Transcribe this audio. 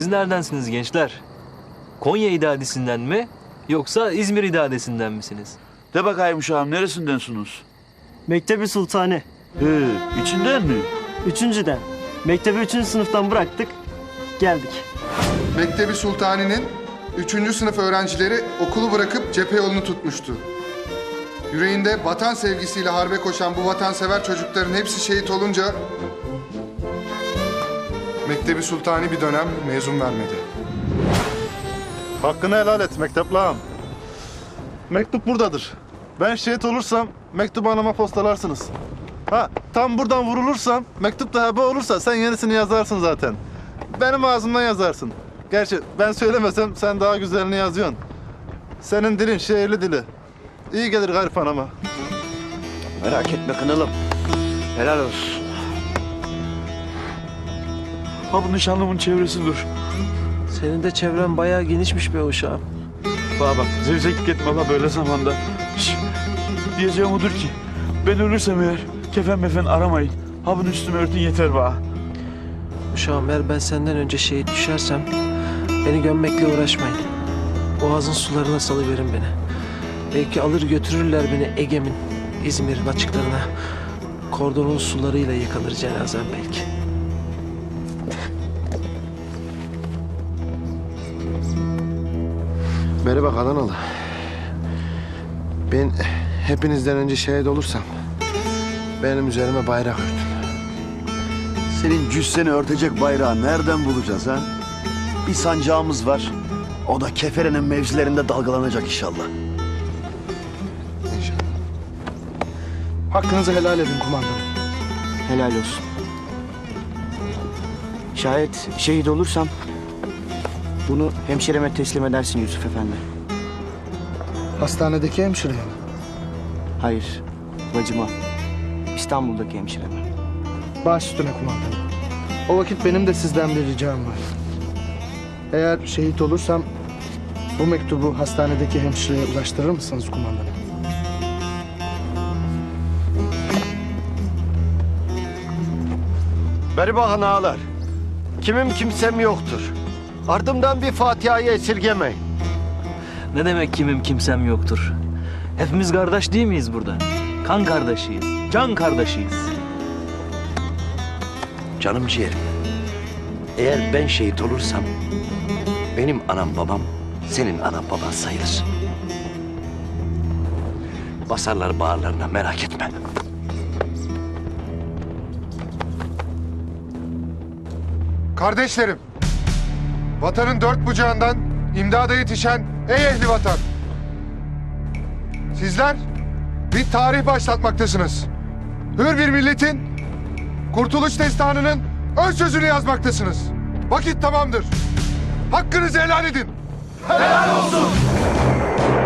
Siz neredensiniz gençler? Konya İdadisi'nden mi yoksa İzmir İdadisi'nden misiniz? De bakayım uşağım neresindensiniz? Mektebi Sultani. İçinden mi? Üçüncüden. Mektebi 3. sınıftan bıraktık. Geldik. Mektebi Sultani'nin 3. sınıf öğrencileri okulu bırakıp cephe yolunu tutmuştu. Yüreğinde vatan sevgisiyle harbe koşan bu vatansever çocukların hepsi şehit olunca Mektebi Sultani bir dönem mezun vermedi. Hakkını helal et mekteplam. Mektup buradadır. Ben şehit olursam mektubu anama postalarsınız. Ha, tam buradan vurulursam, mektup da heba olursa sen yenisini yazarsın zaten. Benim ağzımdan yazarsın. Gerçi ben söylemesem sen daha güzelini yazıyorsun. Senin dilin şehirli dili. İyi gelir garip anama. Merak etme kınalım. Helal olsun. Ha bu nişanlımın çevresi dur. Senin de çevren bayağı genişmiş be uşağım. Bana bak zevzeklik etme la böyle zamanda. Şş, diyeceğim odur ki ben ölürsem eğer kefen mefen aramayın. Ha bunu üstüme örtün yeter bana. Uşağım eğer ben senden önce şehit düşersem beni gömmekle uğraşmayın. Boğazın sularına salıverin beni. Belki alır götürürler beni Ege'min, İzmir'in açıklarına. Kordonun sularıyla yıkanır cenazem belki. Merhaba Kananalı. Ben hepinizden önce şehit olursam benim üzerime bayrak örtün. Senin cüsseni örtecek bayrağı nereden bulacağız ha? Bir sancağımız var. O da Kefere'nin mevzilerinde dalgalanacak inşallah. İnşallah. Hakkınızı helal edin kumandanım. Helal olsun. Şayet şehit olursam bunu hemşireme teslim edersin Yusuf Efendi. Hastanedeki hemşireye mi? Hayır, bacıma. İstanbul'daki hemşireme. Baş üstüne kumandanım. O vakit benim de sizden bir ricam var. Eğer şehit olursam bu mektubu hastanedeki hemşireye ulaştırır mısınız kumandanım? Beribahan ağalar. Kimim kimsem yoktur. Ardımdan bir Fatiha'yı esirgemeyin. Ne demek kimim kimsem yoktur? Hepimiz kardeş değil miyiz burada? Kan kardeşiyiz, can kardeşiyiz. Canım ciğerim. Eğer ben şehit olursam benim anam babam senin anan baban sayılır. Basarlar bağırlarına merak etme. Kardeşlerim, vatanın dört bucağından imdada yetişen ey ehli vatan! Sizler bir tarih başlatmaktasınız. Hür bir milletin kurtuluş destanının ön sözünü yazmaktasınız. Vakit tamamdır. Hakkınızı helal edin. Helal olsun.